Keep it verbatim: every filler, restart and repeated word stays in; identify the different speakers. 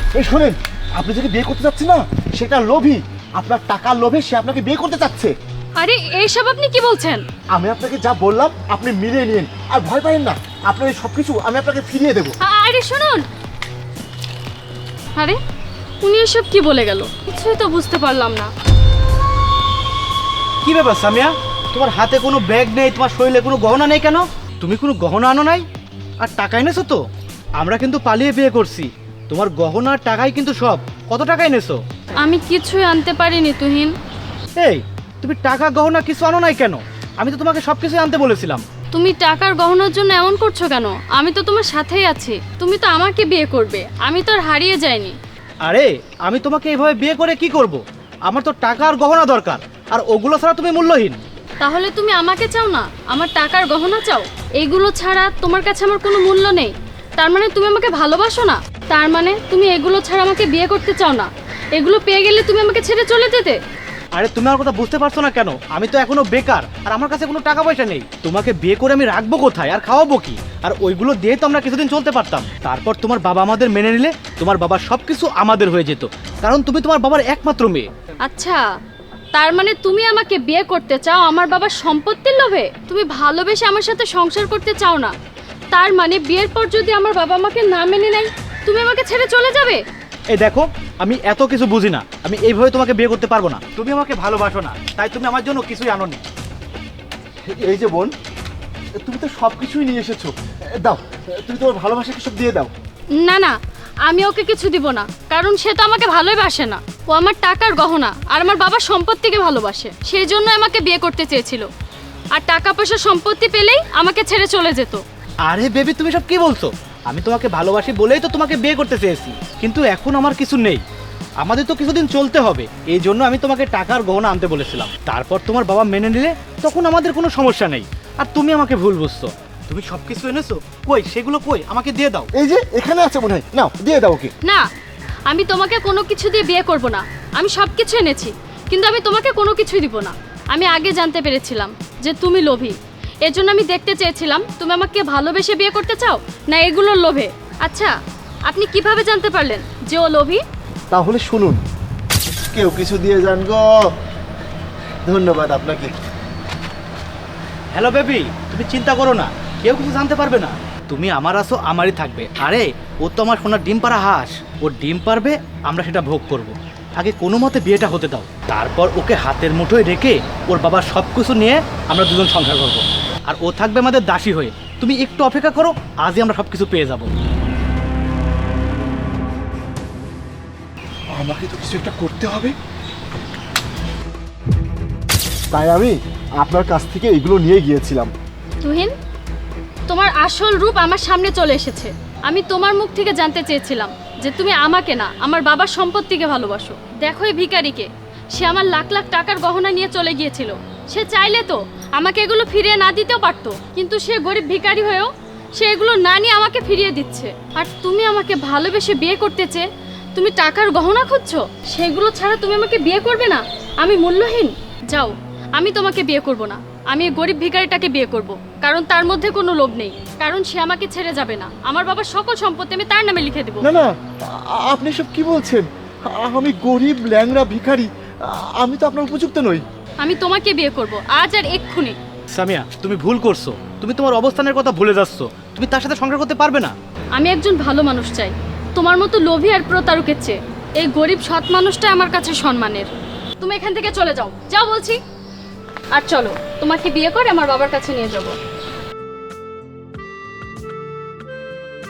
Speaker 1: এই শোনেন, আপনি যদি বিয়ে করতে চাচ্ছেন না, সেটা লোভী। আপনার টাকার লোভে সে আপনাকে বিয়ে করতে চাচ্ছে।
Speaker 2: আরে এইসব আপনি কি বলছেন?
Speaker 1: আমি আপনাকে যা বললাম আপনি মিলিয়ে নিন, আর ভয় পাবেন না। আপনার এই সব কিছু আমি আপনাকে ফিরিয়ে দেবো।
Speaker 2: আরে শুনুন, আরে উনি এসব কি বলে গেল? কিছুই তো বুঝতে পারলাম না।
Speaker 3: কি ব্যাপার সামিয়া, তোমার হাতে কোনো ব্যাগ নেই, তোমার শরীরে কোনো গহনা নেই কেন? তুমি কোনো গহনা আনো নাই? আর টাকা এনেছো তো? আমরা কিন্তু পালিয়ে বিয়ে করছি, তোমার গহনা আর টাকাই কিন্তু সব। কত টাকা এনেছো?
Speaker 2: আমি কিছুই আনতে পারিনি তুহিন।
Speaker 3: এই, তুমি টাকা গহনা কিছু আনো নাই কেন? আমি তো তোমাকে সব কিছুই আনতে বলেছিলাম।
Speaker 2: তুমি টাকার গহনার জন্য এমন করছো কেন? আমি তো তোমার সাথেই আছি, তুমি তো আমাকে বিয়ে করবে, আমি তো আর হারিয়ে যাইনি।
Speaker 3: আরে আমি তোমাকে এইভাবে বিয়ে করে কি করব? আমার তো টাকা আর গহনা দরকার, আর ওগুলো ছাড়া তুমি মূল্যহীন।
Speaker 2: তাহলে তুমি আমাকে চাও না, আমার টাকার গহনা চাও? এইগুলো ছাড়া তোমার কাছে আমার কোনো মূল্য নেই। তার মানে তুমি আমাকে ভালোবাসো না? তার মানে তুমি এগুলো ছাড়া আমাকে বিয়ে করতে চাও না? এগুলো পেয়ে গেলে তুমি আমাকে ছেড়ে চলে যেতে?
Speaker 3: আরে তুমি আমার কথা বুঝতে পারছো না কেন? আমি তো এখনো বেকার, আর আমার কাছে কোনো টাকা পয়সা নেই। তোমাকে বিয়ে করে আমি রাখবো কোথায় আর খাওয়াবো কি? আর ওইগুলো দিয়ে তো আমরা কিছুদিন চলতে পারতাম। তারপর তোমার বাবা আমাদের মেনে নিলে তোমার বাবার সব কিছু আমাদের হয়ে যেত, কারণ তুমি তোমার বাবার একমাত্র মেয়ে।
Speaker 2: আচ্ছা, তার মানে তুমি আমাকে বিয়ে করতে চাও আমার বাবার সম্পত্তির লোভে? তুমি ভালোবেসে আমার সাথে সংসার করতে চাও না? তার মানে বিয়ের পর যদি আমার বাবা আমাকে না মেনে নেয়, তুমি আমাকে ছেড়ে চলে যাবে?
Speaker 3: এই দেখো, আমি এত কিছু বুঝি না, আমি এইভাবে তোমাকে বিয়ে করতে পারবো না। তুমি আমাকে ভালোবাসো না, তাই তুমি আমার জন্য কিছুই আনোনি।
Speaker 1: এই যে বোন, তুমি তো সব কিছুই নিয়ে এসেছো। দাও, তুমি তোমার ভালোবাসাকে সব দিয়ে দাও।
Speaker 2: না না, আমি ওকে কিছু দিব না, কারণ সে তো আমাকে ভালোই বাসে না। ও আমার টাকার গহনা আর আমার বাবার সম্পত্তিকে ভালোবাসে, সেই জন্য আমাকে বিয়ে করতে চেয়েছিল। আর টাকা পয়সা সম্পত্তি পেলেই আমাকে ছেড়ে চলে যেত।
Speaker 3: আরে বেবি, তুমি সব কি বলছো? আমি তোমাকে ভালোবাসি বলেই তো তোমাকে বিয়ে করতে চেয়েছি, কিন্তু এখন আমার কিছু নেই, আমাদের তো কিছুদিন চলতে হবে। এই জন্য আমি তোমাকে টাকার গহনা আনতে বলেছিলাম। তারপর তোমার বাবা মেনে নিলে তখন আমাদের কোনো সমস্যা নেই। আর তুমি আমাকে ভুল বুঝছো। তুমি সব কিছু এনেছো, কই সেগুলো কই? আমাকে দিয়ে দাও।
Speaker 1: এই যে এখানে আছে মনে হয়, নাও দিয়ে দাও ওকে।
Speaker 2: না, আমি তোমাকে কোনো কিছু দিয়ে বিয়ে করব না। আমি সব কিছু এনেছি, কিন্তু আমি তোমাকে কোনো কিছুই দিব না। আমি আগে জানতে পেরেছিলাম যে তুমি লোভী, এজন্য আমি দেখতে চেয়েছিলাম তুমি আমাকে ভালোবেসে বিয়ে করতে চাও না এগুলোর লোভে। আচ্ছা, আপনি কিভাবে জানতে পারলেন যে ও লোভী?
Speaker 1: তাহলে শুনুন, কেউ কিছু দিয়ে যান গো। ধন্যবাদ আপনাকে।
Speaker 3: হ্যালো বেবি, তুমি চিন্তা করো না, কেউ কিছু জানতে পারবে না। তুমি আমার আসো, আমারই থাকবে। আরে ও তো আমার সোনার ডিম পাড়া হাঁস, ও ডিম পারবে, আমরা সেটা ভোগ করব। আগে কোনো মতে বিয়েটা হতে দাও, তারপর ওকে হাতের মুঠোয় রেখে ওর বাবার সব কিছু নিয়ে আমরা দুজন সংসার করবো, আর ও থাকবে আমাদের দাসী হয়ে। তুমি একটু অপেক্ষা করো, আজই আমরা সব কিছু পেয়ে যাব।
Speaker 1: আমাকে তো কিছু একটা করতে হবে। তাই আমি আপনার কাছ থেকে এগুলো নিয়ে গিয়েছিলাম।
Speaker 2: তুহিন, তোমার আসল রূপ আমার সামনে চলে এসেছে। আমি তোমার মুখ থেকে জানতে চেয়েছিলাম যে তুমি আমাকে না আমার বাবার সম্পত্তিকে ভালোবাসো। দেখো এই ভিখারিকে, সে আমার লাখ লাখ টাকার গহনা নিয়ে চলে গিয়েছিল। সে চাইলে তো আমাকে এগুলো ফিরিয়ে না দিতেও পারতো, কিন্তু সে গরিব ভিখারি হয়েও সে এগুলো না নিয়ে আমাকে ফিরিয়ে দিচ্ছে। আর তুমি আমাকে ভালোবেসে বিয়ে করতে চেয়ে তুমি টাকার গহনা খুঁজছো? সেগুলো ছাড়া তুমি আমাকে বিয়ে করবে না? আমি মূল্যহীন? যাও, আমি তোমাকে বিয়ে করব না। আমি এই গরিব ভিখারিটাকে বিয়ে করব, কারণ তার মধ্যে কোনো লোভ নেই, কারণ সে আমাকে ছেড়ে যাবে না। আমার বাবার সকল সম্পত্তি আমি তার নামে লিখে দেব।
Speaker 1: না না, আ- আপনি সব কি বলছেন? আমি গরিব ল্যাংড়া ভিখারি, আমি তো আপনার উপযুক্ত নই।
Speaker 2: আমি তোমাকে বিয়ে করব আজ আর এক্ষুনি।
Speaker 3: সামিয়া, তুমি ভুল করছো, তুমি তোমার অবস্থানের কথা ভুলে যাচ্ছ। তুমি তার সাথে সংসার করতে পারবে না।
Speaker 2: আমি একজন ভালো মানুষ চাই, তোমার মতো লোভী আর প্রতারকের চেয়ে এই গরিব সৎ মানুষটা আমার কাছে সম্মানের। তুমি এখান থেকে চলে যাও, যাও বলছি। আর চলো, তোমাকে বিয়ে করে আমার বাবার কাছে নিয়ে যাবো।